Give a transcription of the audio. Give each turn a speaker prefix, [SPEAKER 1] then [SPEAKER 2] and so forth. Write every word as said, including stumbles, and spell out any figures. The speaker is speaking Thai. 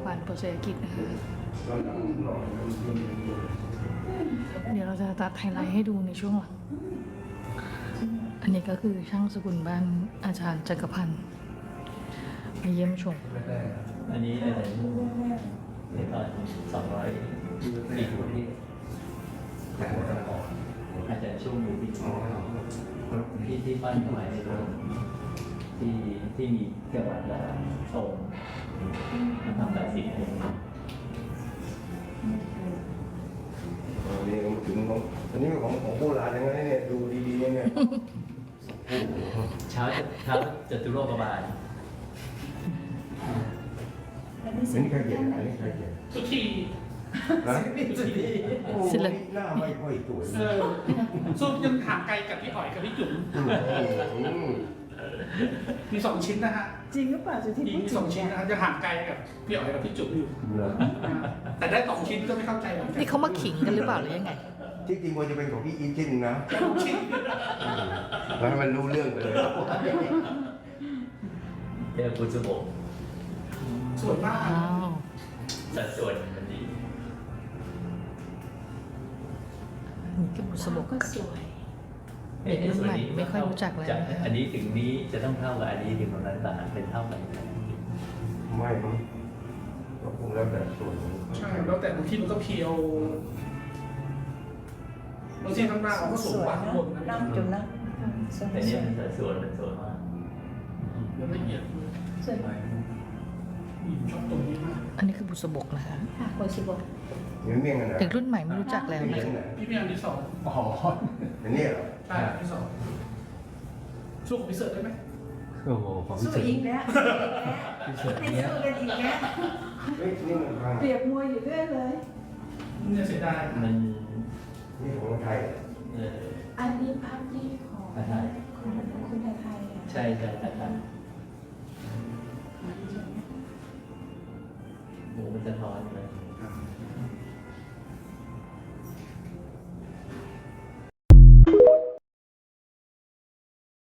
[SPEAKER 1] บ้านโปรเซกิจนะคะเดี๋ยวเราจะตัดไฮไลท์ให้ดูในช่วงหลังอันนี้ก็คือช่างสกุลบ้านอาจารย์จักรพันธ์มาเยี่ยมชม
[SPEAKER 2] อันนี้อะไรในตอนสองร้อยปีที่อาจจะช่วงอยู่ที่ที่ที่ปั้นสมัยในโรงที่ที่มีเกี่ยวกับทรงทำแบบสีเอง
[SPEAKER 3] อันนี้ถึงของอันนี้ของของโบราณอย่างนั้นเนี่ยดูดีๆเนี่ย
[SPEAKER 2] เช้าเช้าจตุโลกบาล
[SPEAKER 3] อันนี้ใครเขียนอันนี้ใครเขียน
[SPEAKER 4] สุธี
[SPEAKER 3] ฮะ
[SPEAKER 4] สุธี
[SPEAKER 3] โอ้โหหน้าไม่ค่อยสวย
[SPEAKER 4] เออซุปยังห่างไกลกับพี่หอยกับพี่จุ๋ม
[SPEAKER 3] อืม
[SPEAKER 4] มีสองชิ้นนะฮะ
[SPEAKER 5] จริงหรือเปล่าจุดที่
[SPEAKER 4] มี
[SPEAKER 5] พูด
[SPEAKER 4] มี
[SPEAKER 5] ถึ
[SPEAKER 4] สองชิ้นนะฮะจะห่างไกลกับพี่หอยกับพี่จุ๋มอยู่
[SPEAKER 3] เหรอ
[SPEAKER 4] นะฮะแต่ได้สองชิ้นก็ไม่เข้าใจเหมือนกั
[SPEAKER 1] นี่เขามาขิงกันหรือเปล่าหรือยังไง
[SPEAKER 3] ที่จริงควรจะเป็นของพี่อีทชิ้นนะ
[SPEAKER 4] แต่สองชิ้น
[SPEAKER 3] แล้วให้มันรู้เรื่องไปเลย
[SPEAKER 2] เรียกปุจุโบก
[SPEAKER 4] สวยมาก
[SPEAKER 1] อ้าว
[SPEAKER 2] สัดส่วนมันดี
[SPEAKER 1] นี่คือบุษบก
[SPEAKER 5] ก็สวย
[SPEAKER 1] เด็กรุ่นใหม่ไม่ค่อยรู้จักแล้ว
[SPEAKER 2] จากอันนี้ถึงนี้จะต้องเท่ากับอันนี้ถึงตรงนั้นต่างเป็นเท่ากัน
[SPEAKER 3] ไม่มั้งก็คงแล้วแต่ส่วนของ
[SPEAKER 4] ใช่แล้วแต่บางทีมันก็เพียวบางทีข้างหน้าเราก็สูงกว่าข้างบนนะ
[SPEAKER 5] น้ำจุ่มนะสวย
[SPEAKER 2] แต่นี่มันสัดส่วนมันสวยมาก
[SPEAKER 4] มันละเอียด
[SPEAKER 5] สวย
[SPEAKER 4] อืมชอบตรงนี้มาก
[SPEAKER 1] อันนี้คือบุษบกนะคะ
[SPEAKER 5] ค่ะโคชิบะ
[SPEAKER 3] เมี่ยงเมี่ยงกันนะ
[SPEAKER 1] เด็กรุ่นใหม่ไม่รู้จักแล้ว
[SPEAKER 3] เมี่
[SPEAKER 1] นะ
[SPEAKER 3] ยง
[SPEAKER 1] คะ
[SPEAKER 3] ไหน
[SPEAKER 4] พี่เมียอันที่สอง
[SPEAKER 3] อ๋ออันนี้เหรอ
[SPEAKER 4] ใช่อันที่สองสู้กับพิเศษได้ไหม
[SPEAKER 2] โอ้โหของพี่
[SPEAKER 5] สู้
[SPEAKER 2] เฉิน
[SPEAKER 5] อีกแล้วให้สู้กันอีกแล้ว
[SPEAKER 3] เฮ้ยนี่มันพัง
[SPEAKER 5] เปรียบมวยอยู่เรื่อยเลย
[SPEAKER 4] เนี่ยเสียดาย
[SPEAKER 2] มัน
[SPEAKER 3] นี่ของไทย
[SPEAKER 2] เออ
[SPEAKER 5] อันนี้ภาพที่ของ
[SPEAKER 2] ภาพไทย
[SPEAKER 5] คุณคุณไทยอ่ะ
[SPEAKER 2] ใช่ใช่แต่ครับโอ้มันจะท้อนเลย